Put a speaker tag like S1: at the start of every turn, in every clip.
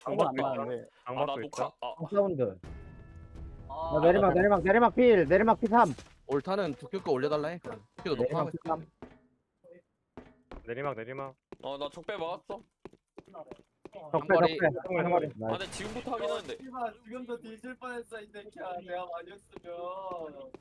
S1: 방박 안
S2: 중박다.
S1: 나는데.
S2: 아 나
S3: 방박도
S2: 녹화.
S3: 있다.
S2: 아
S4: 사운드.
S1: 아,
S4: 내리막 P3.
S5: 올타는 두큐 거 올려달라 해. 두큐도 높아 하고
S4: 내리막
S5: 있어.
S4: P3.
S3: 내리막.
S2: 나 적배 막았어.
S5: 한거리.
S3: 한거리.
S2: 아 근데 지금부터 하긴 하는데.
S1: 씨발 지금도 뒤질 뻔했어 이 새끼야. 내가 아니었으면.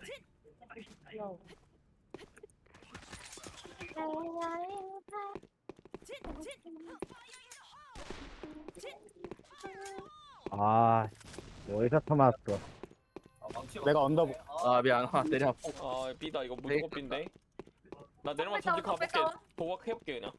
S4: 아, 어디서 터맞았어.
S1: 내가 언더.
S5: 아 미안. 내려.
S2: 아 B다 이거 무조건 B인데. 나 내려만 전지 가볼게. 도박해볼게 그냥.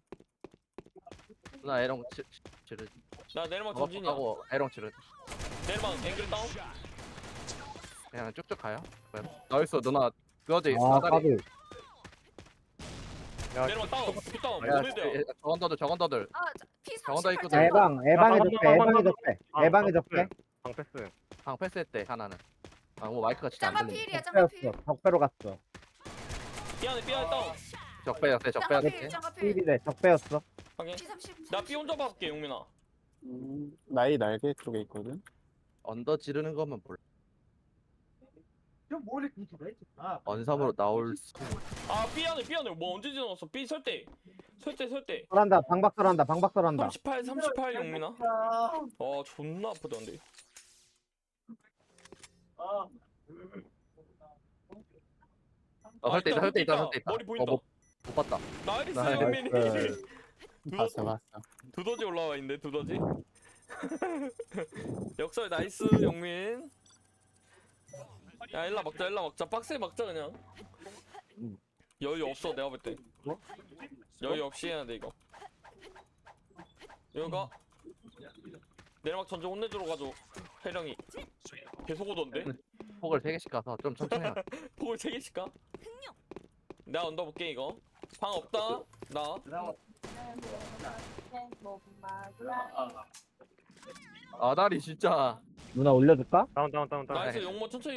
S5: 나 에롱 치르.
S2: 나 내려만 전진이야.
S5: 하고 에롱 치르.
S2: 내려만 앵글 다운.
S5: 그냥 쭉쭉 가요. 나이스 누나. 그거지.
S4: 아,
S5: 사다리.
S4: 까비.
S3: 야,
S2: 내려만 다운. B 다운.
S5: 야,
S2: 모네드야.
S5: 저건더들. 저건더 있거든.
S4: 에방이 적배.
S3: 방패스.
S5: 방 패스했대 하나는. 뭐 마이크가 진짜 안
S6: 짬밥
S5: 들리네.
S6: 필이야 짬밥 필.
S4: 적배로 갔어.
S2: B 안에 다운.
S5: 적배였대.
S6: 짬밥 필 짬밥 필.
S4: 필이래, 적배였어.
S2: 확인.
S6: P30.
S2: 나 B 혼자 봐볼게 용민아.
S1: 나이 날개 쪽에 있거든.
S5: 언더 지르는 것만 몰라.
S1: 좀 머리 아.
S5: 언삼으로 나올 수.
S2: 아 B 안에 뭐 언제 지나갔어? B 설대.
S4: 설한다, 방박설한다.
S2: 38 용민아. 존나 아프다 근데.
S5: 설대 있다.
S2: 머리 보인다.
S5: 못 봤다.
S2: 나이스
S5: 나이스.
S2: 용민이.
S1: 봤어.
S2: 두더지 올라와 있네 두더지. 역설 나이스 용민. 야 일라 막자 빡세 막자 그냥. 여유 없어 내가 볼 때. 여유 없이 해야 돼 이거. 여기가 내리막 전지 혼내주러 가죠. 해령이 계속 오던데.
S5: 폭을 3개씩 가서 좀 천천히 해.
S2: 폭을 3개씩 가? 내가 언더볼게 이거. 방 없다 나.
S5: 아다리 진짜.
S4: 누나 올려줄까?
S3: 다운.
S2: 나이스 용모 천천히.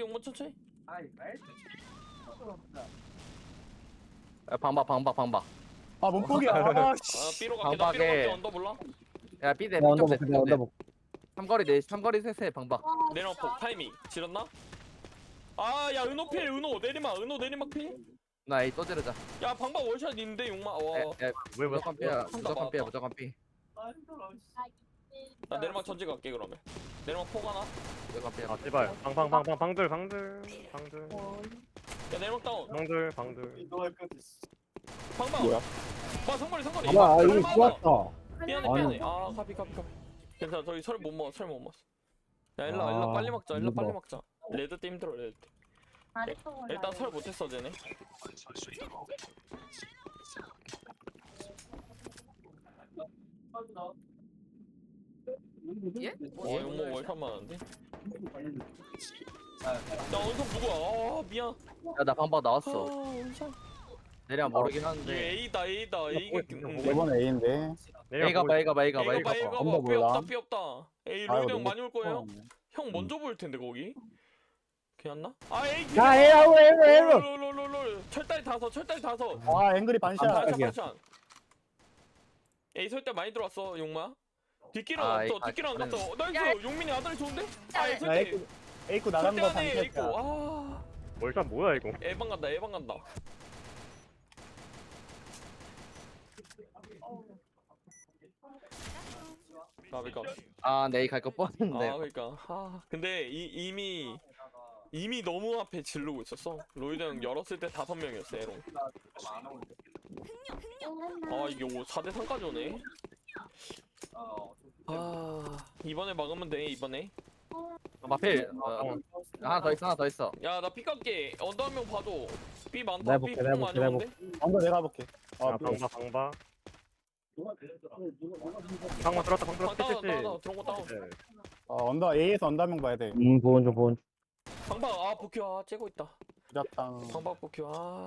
S5: 야, 방박.
S1: 아 몸폭이야. 아,
S2: B로 갈게. 나 B로
S5: 방박에-
S2: 갈게. 언더 몰라?
S5: 야 삐대
S4: 내가 언더볼게, 내가 언더볼게.
S5: 삼거리 셋에 방박.
S2: 내리막 폭 타이밍 지렸나? 야 은호필 내리막 필?
S5: 나 A 또 지르자.
S2: 야 방박 월샷 있는데 용마. 와.
S3: 왜
S5: 무조건 삐야.
S2: 맞다.
S5: 무조건 삐.
S2: 나 내리막 전지 갈게 그러면. 내리막 폭 하나.
S5: 무조건 삐야.
S3: 아 제발. 방들.
S2: 야 내리막 다운.
S3: 방들.
S2: 방박.
S1: 뭐야?
S2: 상거리.
S4: 야, 이거 좋았다.
S2: 미안해. 카피. 괜찮아. 저기 설 못 먹었어. 야 일라 빨리 먹자. 레드 때 힘들어 레드 때. 일단 설 못했어 쟤네.
S6: 예?
S2: 용모 월샷 많은데? 야 원석 누구야? 미안.
S5: 야 나 방박 나왔어.
S2: 원석.
S5: 내려 모르긴
S2: 이게
S5: 하는데.
S2: A다. 이게
S1: 이번 A인데.
S5: A가 봐.
S2: A가
S1: 엄마 몰라.
S2: 삐 없다. A
S1: 아이고,
S2: 로이드 형
S1: 너무
S2: 많이 올 거예요. 형 먼저 보일 텐데 거기. 괜찮나? A
S4: 야, 에로.
S2: 롤. 철다리 다섯.
S1: 아 앵글이 반샷.
S2: 반샷. A 설때 많이 들어왔어 용마. 뒷길은
S5: 아,
S2: 없어.
S5: A
S2: 뒷길은 안
S5: 반샷은-
S2: 갔어. 나이스. 용민이 아다리 좋은데? A
S1: 야
S2: 설때.
S1: A구 나간 거
S2: 설때 A 있고.
S1: 반샷이야.
S3: 월샷 뭐야 이거?
S2: 에방 간다. 까비.
S5: 내 A 갈거 뻔했는데.
S2: 그러니까. 근데 이미 너무 앞에 지르고 있었어. 로이드 형 열었을 때 5명이었어 에롱. 이게 4대 3까지 오네. 이번에 막으면 돼 이번에.
S5: 마필. 하나 더 있어.
S2: 야 나 피 깎게. 언더 한 명 봐줘. 삐 많다.
S4: 내가
S2: 삐
S4: 볼게,
S2: 폭
S4: 내가
S2: 많이
S4: 볼게,
S2: 오는데.
S1: 언더 내가 볼게.
S3: 방박. 방박 들었다.
S2: 다운 들어온 거 다운.
S3: 네.
S1: 언더 A에서 언더 한 명 봐야 돼.
S4: 보온 좀.
S2: 방박 복귀 째고 있다.
S1: 부작당.
S2: 방박 복귀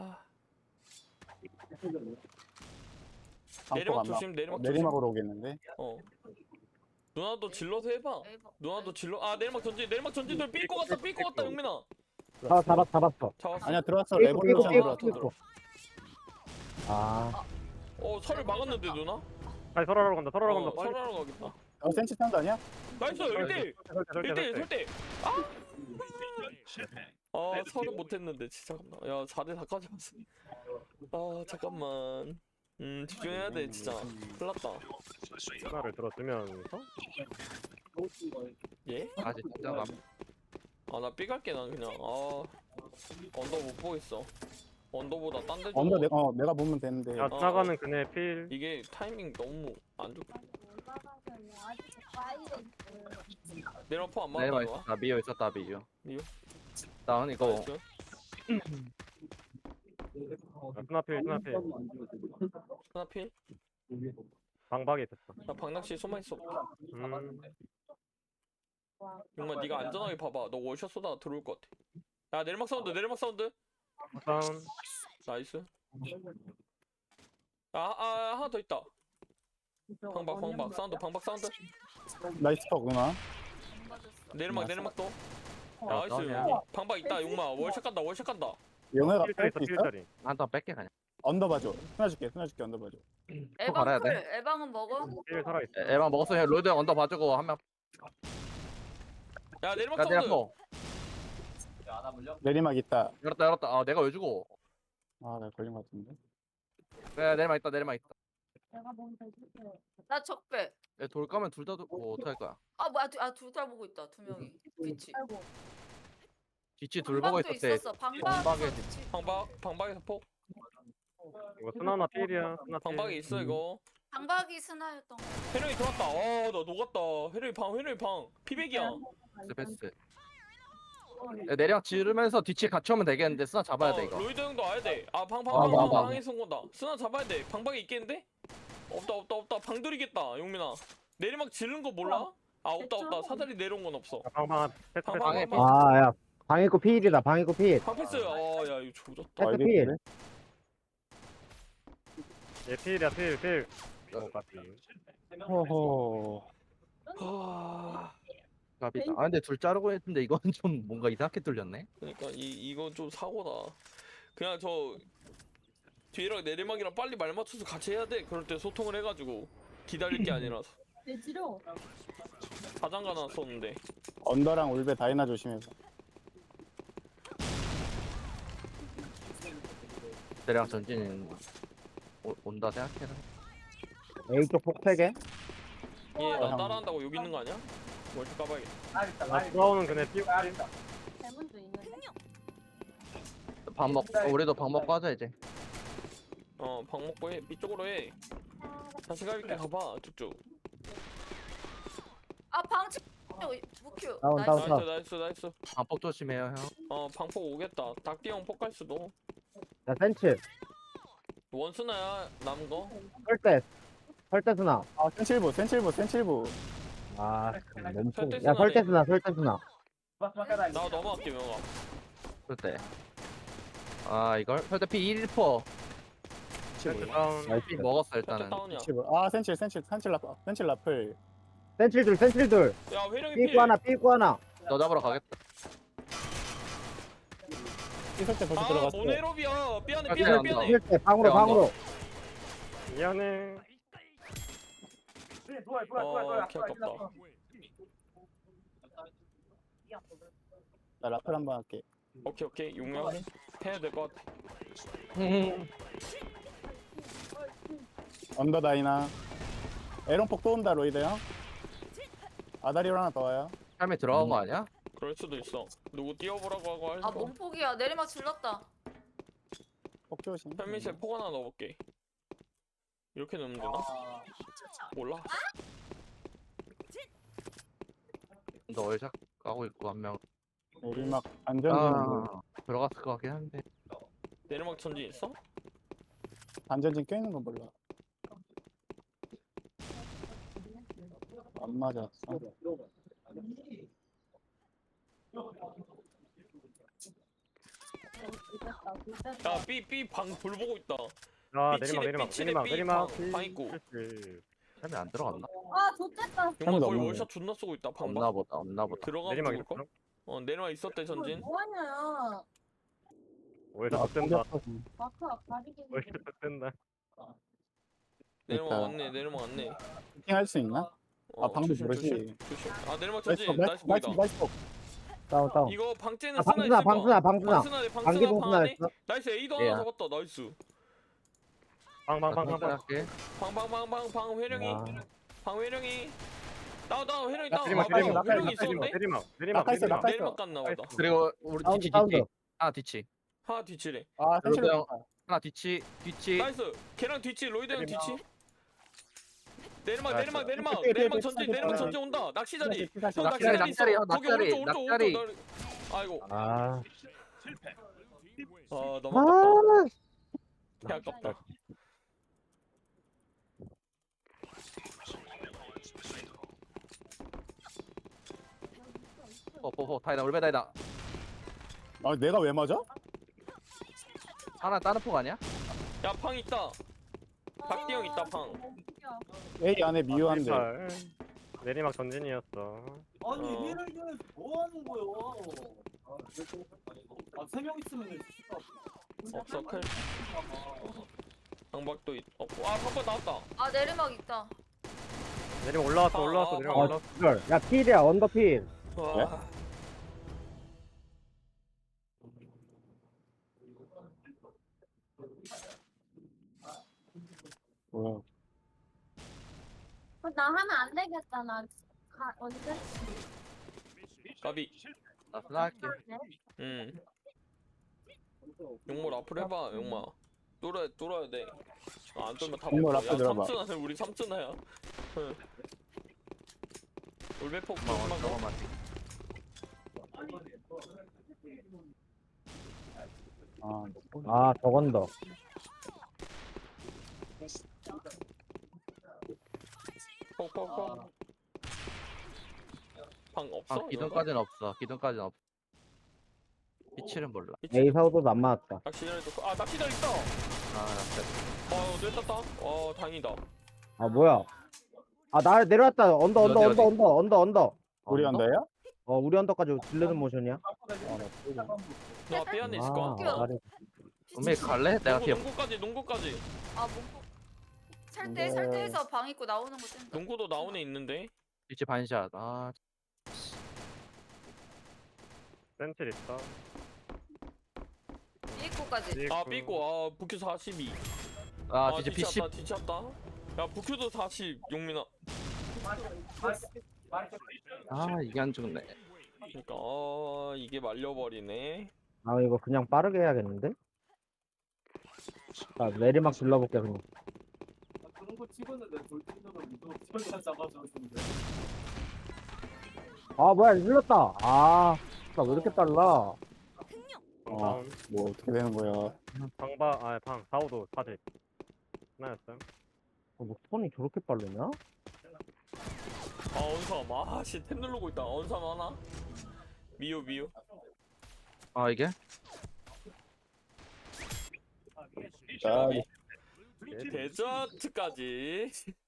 S1: 방폭
S2: 내리막
S1: 안 나.
S2: 조심. 내리막 조심.
S1: 내리막으로 오겠는데.
S2: 누나도 질러서 해봐. 누나도 질러. 내리막 전진 돌 삐고 갔다 용민아.
S4: 잡았어.
S2: 잡았어.
S1: 아니야 들어왔어.
S4: 삐고,
S1: 레볼루션
S4: 삐고,
S1: 들어왔어.
S4: 삐고. 설을
S2: 설을 막았는데 누나?
S3: 아니 설하러 간다.
S2: 설하러 가겠다.
S6: 센치 탄도 아니야?
S2: 나이스 1대1
S3: 설대
S2: 1대1
S3: 설대.
S2: 설대. 아 서른 못했는데 진짜 잠깐만. 야 4대 4까지 왔어. 아 잠깐만. 집중해야 돼 진짜. 큰일 났다.
S3: 하나를 들어주면서
S2: 예?
S5: 아직 진짜
S2: 아나 B 갈게 난 그냥. 아 언더 못 보겠어. 언더보다 딴 데 좀.
S6: 언더 내가 보면 되는데.
S3: 야 지나가는 그네 필.
S2: 이게 타이밍 너무 안 좋고. 내려 포안 맞아
S5: 내리막
S2: 이거.
S5: 있었다. 미유 있었다. 미유.
S2: 미유?
S5: 나 이거
S2: 나이스.
S3: 스나 필 스나 필.
S2: 하나 필.
S3: 방박에 있었어.
S2: 나 박낚시 숨어 있어.
S3: 음.
S2: 정말 네가 안전하게 봐봐. 너 월샷 쏘다가 들어올 것 같아. 야 내리막 사운드 내리막 사운드.
S3: 다운.
S2: 나이스. 하나 더 있다. 방박 사운드 방박 사운드.
S6: 나이스 퍽 누나.
S2: 내리막 내리막도.
S5: 다운이야.
S2: 나이스. 방박 있다 용마. 월샷 간다 월샷 간다.
S6: 영애가
S3: 필자리
S6: 뺄수
S3: 있어
S6: 있어?
S3: 필자리.
S5: 한턴 뺄게 그냥.
S6: 언더 봐줘. 스나 줄게 언더 봐줘.
S5: 갈아야
S7: 에방
S5: 돼.
S7: 클. 에방은 먹어?
S3: 필 살아 있어.
S5: 에방 먹었어. 그냥 로이드 형 언더 봐주고 한 명.
S2: 야 내리막
S5: 야
S2: 사운드.
S5: 내렸어.
S1: 야나 물려?
S6: 내리막 있다.
S5: 열었다. 아 내가 왜 주고?
S6: 아 나 걸린 것 같은데.
S5: 그래 내리막 있다. 내리막 있다.
S7: 나 적배.
S5: 얘 돌 까면 둘 다 뭐 어떻게 할 거야?
S7: 아 뭐야 둘 다 보고 있다. 두 명이. 그치.
S5: 뒤치 둘 보고
S7: 방박도
S5: 있었대.
S7: 있었어.
S5: 방박에
S7: 방박에서 뒤치.
S2: 방박에서 폭.
S3: 이거 스나나 필이야. 스나 필.
S2: 방박에 있어 이거.
S7: 방박이 스나였던 거.
S2: 회룡이 들어왔다. 나 녹았다. 회룡이 방. 피백이야.
S5: 패스. 야, 내리막 지르면서 뒤치 같이 오면 되겠는데 쓰나 잡아야 돼 이거.
S2: 로이드 형도 와야 돼.
S5: 봐.
S2: 방에서 온 건다. 쓰나 잡아야 돼. 방박에 있겠는데? 없다. 방돌이겠다. 용민아. 내리막 지른 거 몰라? 없다. 사다리 내려온 건 없어.
S3: 방방 패스 패스.
S5: 방에
S2: 방.
S4: 아야 방해고 필이다 방해고 필.
S2: 방패스. 야 이거 조졌다.
S6: 아,
S4: 패스
S6: 이게
S4: 필.
S6: 그래?
S3: 얘 필이야 필. 같이.
S6: 호호.
S5: 갑이다. 아 근데 둘 자르고 했는데 이건 좀 뭔가 이상하게 뚫렸네.
S2: 그러니까 이거 좀 사고다. 그냥 저 뒤랑 내리막이랑 빨리 말 맞춰서 같이 해야 돼. 그럴 때 소통을 해가지고 기다릴 게 아니라서. 사장가 났었는데.
S6: 언더랑 울베 다이나 조심해서.
S5: 내리막 전진 온다 생각해라.
S4: A 쪽 폭패게.
S2: 얘나 따라한다고 여기 있는 거 아니야? 월드 까봐야겠다.
S3: 나 돌아오는 그네 띄우.
S5: 밥 먹. 우리도 밥 먹고 하자 이제.
S2: 방 먹고 해. 이쪽으로 해. 다시 가볼게 가봐 쭉쭉.
S7: 아 방치. 무큐.
S4: 다운, 다운,
S7: 나이스.
S4: 다운.
S2: 나이스.
S5: 밥폭 조심해요 형.
S2: 방폭 오겠다. 닭띠형 폭 갈 수도.
S4: 야 센치.
S2: 원스나야 남은 거.
S4: 설대 스나.
S6: 아 센칠부.
S4: 아 너무
S2: 설대
S4: 야 설대
S2: 스나네.
S4: 스나.
S2: 나 넘어갈게 명아.
S5: 그때. 아 이걸 설대 P 1%.
S3: 패스 다운.
S4: 나이스.
S5: P 먹었어
S2: 살짝
S5: 일단은.
S2: 다운이야.
S6: 아 센칠 라플.
S4: 센칠 둘.
S2: 야 회령이
S4: 삐고 하나 삐고 하나.
S5: 너 잡으러 가겠다.
S6: 삐설 때 벌써 들어갔어.
S2: 모네롭이야. 삐안해.
S5: 아,
S2: 삐안해.
S4: 필때 방으로.
S3: 미안해.
S2: 개 아깝다.
S6: 나 라플 한번 할게.
S2: 오케이. 용량 해야 될 것 같아.
S6: 언더 다이나. 에런폭 또 온다 로이드 형. 아다리로 하나 더 와요.
S5: 삶에 들어간 거 아니야?
S2: 그럴 수도 있어. 누구 뛰어보라고 하고 할
S7: 아
S2: 거.
S7: 몸폭이야. 내리막 질렀다.
S6: 폭 조심.
S2: 현민씨에 폭 하나 넣어볼게. 이렇게 넣으면 되나? 몰라.
S5: 너 월샷 까고 있고 한 명.
S6: 내리막 안전진
S5: 들어갔을 것 같긴 한데.
S2: 내리막 전진 있어?
S6: 안전진 껴있는 건 몰라. 안 맞았어.
S2: 야 B 방 불 보고 있다.
S3: 아
S2: 삐치네,
S3: 내리막
S2: 삐치네,
S3: 내리막.
S2: 삐 방 있고.
S3: 필.
S5: 삶에 안 들어갔나?
S7: 아 좋겠다.
S2: 용마
S6: 형도
S2: 거의
S6: 없네.
S2: 월샷 존나 쏘고 있다.
S5: 없나
S2: 방방.
S5: 보다. 없나 보다.
S2: 들어가면
S3: 내리막
S2: 죽을 걸?
S3: 있었어.
S2: 내리막 있었대 전진.
S7: 뭐하냐.
S3: 오히려 더 뜬다.
S7: 마크가 가리기.
S3: 오히려 더 뜬다.
S2: 내리막
S6: 있다.
S2: 왔네.
S6: 킹할 수 있나? 아, 방금
S2: 조심,
S6: 모르지.
S2: 조심, 조심. 아 내리막
S6: 나이스
S2: 전진. 나이스
S6: 나이스
S2: 보이다.
S6: 나이스.
S4: 다운 다운.
S2: 이거 방째는
S4: 아,
S2: 쓰나
S4: 방수나
S2: 있을 거야.
S4: 방수나 방수나.
S2: 방스나 돼.
S4: 방기
S2: 방스나 방
S4: 방수나
S2: 안에.
S4: 했어.
S2: 나이스 A도
S5: 예.
S2: 하나 잡았다. 나이스.
S3: 방방방방.
S5: 할게.
S2: 방 회령이.
S4: 아.
S2: 방 회령이. 다운 회령이
S6: 나
S2: 다운.
S3: 내리막
S2: 아
S3: 내리막
S2: 뭐야 회령이
S3: 내리막
S2: 있었는데?
S3: 내리막
S6: 낙하 있어, 낙하 있어.
S2: 내리막 갔나 보다.
S5: 그리고 우리
S4: 사운드
S5: 뒤치
S4: 사운드.
S5: 뒤치. 하나 뒤치.
S2: 하나 뒤치래.
S6: 아 센치를
S5: 형. 하나 뒤치. 뒤치.
S2: 나이스. 걔랑 뒤치 로이드 형
S6: 내리막.
S2: 뒤치. 내리막
S3: 나이스.
S2: 내리막 전진 온다. 낚시 자리. 형 낚시
S5: 낙자리
S2: 자리 있어.
S5: 낙자리
S2: 거기
S5: 낙자리
S2: 오른쪽
S5: 낙자리.
S2: 아이고.
S4: 아.
S2: 너무
S4: 아.
S2: 개 아깝다.
S5: 포포포 다이다 올베 다이다.
S6: 아 내가 왜 맞아?
S5: 하나 다른 폭 아니야?
S2: 야 팡 있다. 박디 형 있다, 팡.
S6: A 안에 미유한데.
S3: 내리막 전진이었어.
S1: 아니
S2: 어.
S1: 얘를 이겨서 뭐 하는 거야? 아세 명 있으면
S2: 없어 클. 방박도 있. 와 방박 나왔다.
S7: 아 내리막 있다.
S3: 내리막 올라왔어 올라왔어 내리막
S2: 아,
S3: 올라왔어.
S4: 이걸. 야 필이야 언더 필.
S2: 와.
S6: 뭐야?
S7: 나 하면 안 되겠다. 나 언제?
S2: 까비.
S5: 나 플라할게.
S2: 용몰 앞으로 해봐, 용마. 뚫어야 돼. 안 뚫면 다
S6: 용몰
S2: 먹어.
S6: 앞에
S2: 야,
S6: 들어봐.
S2: 삼촌아, 우리 삼촌아야. 올배폭
S5: 고마워
S2: 조심하고.
S5: 저거만.
S6: 아
S4: 아 저건더.
S2: 폭. 방 없어?
S5: 아 기둥까지는 없어. 기둥까지는 없어. 빛칠은 몰라.
S4: A 사우도도 안 맞았다.
S2: 낚시 잘 있다.
S5: 아 나
S2: 뇌 땄다. 다행이다.
S4: 아 뭐야? 아 나 내려왔다. 언더
S5: 어디, 어디?
S4: 언더.
S6: 우리 언더야?
S4: 우리 언더까지 질르는 모션이야?
S2: 너 앞에 안에 있을 거야.
S4: 나를-
S5: 분명히 갈래? 내가 뒤에
S2: 농구까지.
S7: 아 뭔가 살때해서 방 입고 나오는 거 뜬다.
S2: 농구도 나온 애 있는데.
S5: 뒤치 반샷. 아
S3: 센칠 있어.
S7: 입구까지.
S2: 삐고. 부큐 42.
S5: 뒤치 PC.
S2: 뒤쳤다. 야, 부큐도 40. 용민아.
S5: 아 이게 안 죽네.
S2: 그러니까 이게 말려버리네.
S4: 아 이거 그냥 빠르게 해야겠는데? 아 내리막 질러볼게 그냥.
S1: 그런 거 찍었는데 돌진으로 이거 설마 잡아줬는데.
S4: 아 뭐야 질렀다. 아. 나 왜 이렇게 빨라?
S3: 다운.
S6: 뭐 어떻게 되는 거야?
S3: 방 4호도 40. 하나였어요.
S4: 뭐 톤이 저렇게 빠르냐?
S2: 언삼. 템 누르고 있다. 언삼 하나. 미유.
S5: 아 이게?
S6: 자
S2: 데저트까지.